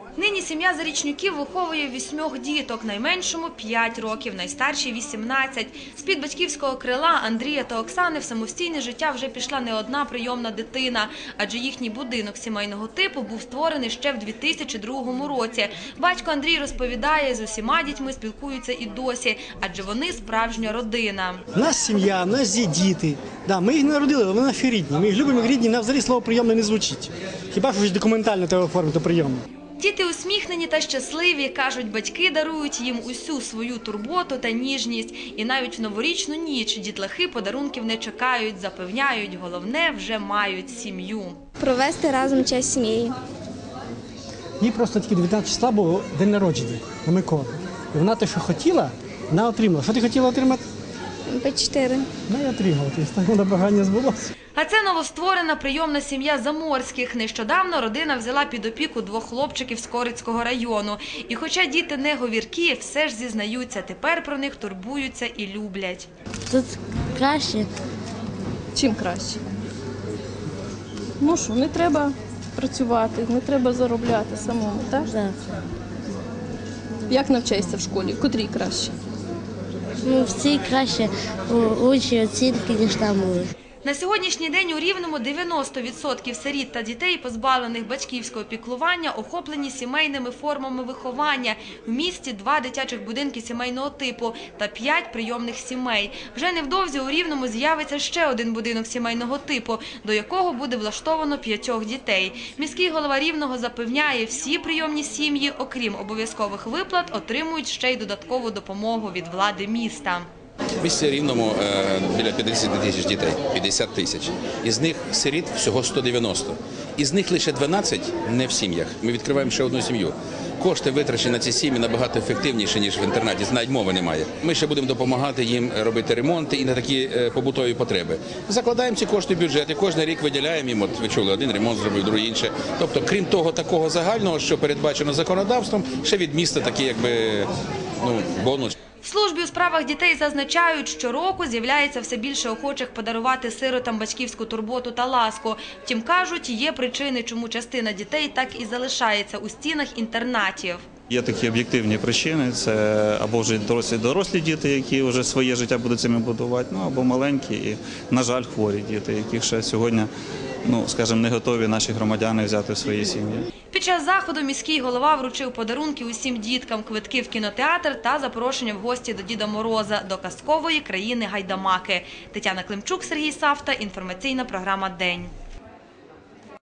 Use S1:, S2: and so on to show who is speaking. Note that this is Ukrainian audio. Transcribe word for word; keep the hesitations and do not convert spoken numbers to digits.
S1: Нині сім'я Зарічнюків виховує вісьмох діток, найменшому – п'ять років, найстаршій – вісімнадцять. З-під батьківського крила Андрія та Оксани в самостійне життя вже пішла не одна прийомна дитина, адже їхній будинок сімейного типу був створений ще в дві тисячі другому році. Батько Андрій розповідає, з усіма дітьми спілкуються і досі, адже вони справжня родина.
S2: У нас сім'я, у нас є діти. Да, ми їх не народили, але вони наші рідні. Ми їх любимо як рідні, нам взагалі слово «прийомне» не звучить. Хіба що документально треба оформити прийомне.
S1: Діти усміхнені та щасливі, кажуть, батьки дарують їм усю свою турботу та ніжність. І навіть в новорічну ніч дітлахи подарунків не чекають, запевняють, головне – вже мають сім'ю.
S3: Провести разом час сім'єю.
S2: Їй просто тільки дев'ятнадцятого числа було день народження на Миколу. І вона те, що хотіла, вона отримала. Що ти хотіла отримати?
S3: По чотири.
S2: Ну, я отримала. Тобто, на бажання збулося.
S1: А це новостворена прийомна сім'я Заморських. Нещодавно родина взяла під опіку двох хлопчиків з Корицького району. І хоча діти не говіркі, все ж зізнаються, тепер про них турбуються і люблять.
S4: Тут краще.
S5: Чим краще? Ну що, не треба працювати, не треба заробляти самому, так?
S4: Так.
S5: Як навчаєшся в школі? В котрій краще?
S4: Ну, всі краще учні оцінки, ніж там були.
S1: На сьогоднішній день у Рівному дев'яносто відсотків сиріт та дітей, позбавлених батьківського піклування, охоплені сімейними формами виховання. В місті два дитячих будинки сімейного типу та п'ять прийомних сімей. Вже невдовзі у Рівному з'явиться ще один будинок сімейного типу, до якого буде влаштовано п'ятьох дітей. Міський голова Рівного запевняє, всі прийомні сім'ї, окрім обов'язкових виплат, отримують ще й додаткову допомогу від влади міста.
S6: В місті Рівному е, біля п'ятдесят тисяч дітей, п'ятдесят тисяч. Із них сиріт всього сто дев'яносто. Із них лише дванадцять не в сім'ях. Ми відкриваємо ще одну сім'ю. Кошти, витрачені на ці сім'ї, набагато ефективніші, ніж в інтернаті. Навіть мови немає. Ми ще будемо допомагати їм робити ремонти і на такі е, побутові потреби. Закладаємо ці кошти в бюджет і кожен рік виділяємо їм. От ви чули, один ремонт зробив, другий інше. Тобто, крім того такого загального, що передбачено законодавством, ще від міста такий якби, ну, бонус.
S1: В службі у справах дітей зазначають, щороку з'являється все більше охочих подарувати сиротам батьківську турботу та ласку. Втім, кажуть, є причини, чому частина дітей так і залишається у стінах інтернатів.
S7: Є такі об'єктивні причини, це або вже дорослі дорослі діти, які вже своє життя будуть цим будувати, ну або маленькі і, на жаль, хворі діти, яких ще сьогодні, ну, скажімо, не готові наші громадяни взяти в свої сім'ї.
S1: Під час заходу міський голова вручив подарунки усім діткам, квитки в кінотеатр та запрошення в гості до Діда Мороза, до казкової країни Гайдамаки. Тетяна Климчук, Сергій Савта, інформаційна програма «День».